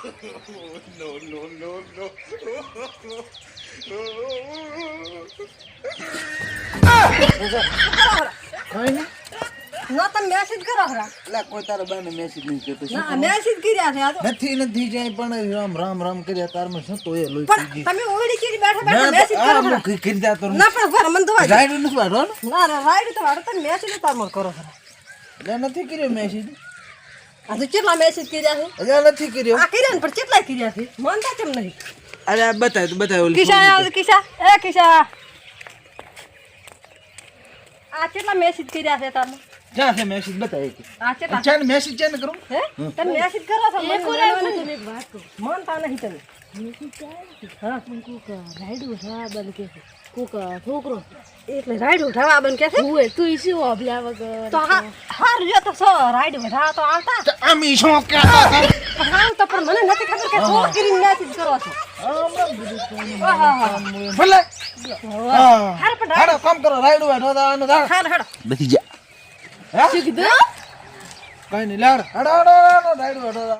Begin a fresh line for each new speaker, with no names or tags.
No, no, no, no.
ના તમે message કરો ખરા
એટલે કોઈ તારા બાને મેસેજ નહીં કરતો શું
ના મેસેજ કર્યા છે આ તો
નથી જાય પણ રામ કર્યા તારમાં શું તો એ લોહી
પણ તમે ઓડી કરી બેઠા બેઠા મેસેજ કરો ખરા
કરી જાતો
ના પણ ભર મન દવા
રાઈડ નથી વાળો
ના ના રાઈડ તો વાડો તમે મેસેજ તારમર કરો ખરા
એટલે નથી કર્યો મેસેજ
આ તો કેટલા મેસેજ કર્યા છે
એટલે નથી કર્યો
આ કર્યા ને પણ કેટલા કર્યા છે માનતા કેમ નહીં
અરે આ બતાય ઓલી
કિશા આ કેટલા મેસેજ કર્યા છે તમે
ક્યાં છે મેસેજ બતાય કે
આ કેટલા
ચાલ મેસેજ ચાલ કરું
હે તમે મેસેજ કરો છો મને બોલાવવાની તમે એક વાત કહો માનતા નહીં તમે હા કોકા રાઈડ ઉઠાવા બન કે કોકા છોકરો એટલે રાઈડ ઉઠાવા બન કે છે ઓય તું ઈસી ઓબલા વગર તો હાર જો તો સો રાઈડ ઉઠાવા તો આવતા
આમી શું કે
હા તો પણ મને નથી ખબર કે શું કરીને મેસેજ કરો છો
ભલે
હાર પણ
હાડો કામ કરો રાઈડ વાડો આનો દાડ
હાડ
બેસી જા હે
શું કીધું
કઈ નહીં લાડ હાડો રાઈડ વાડો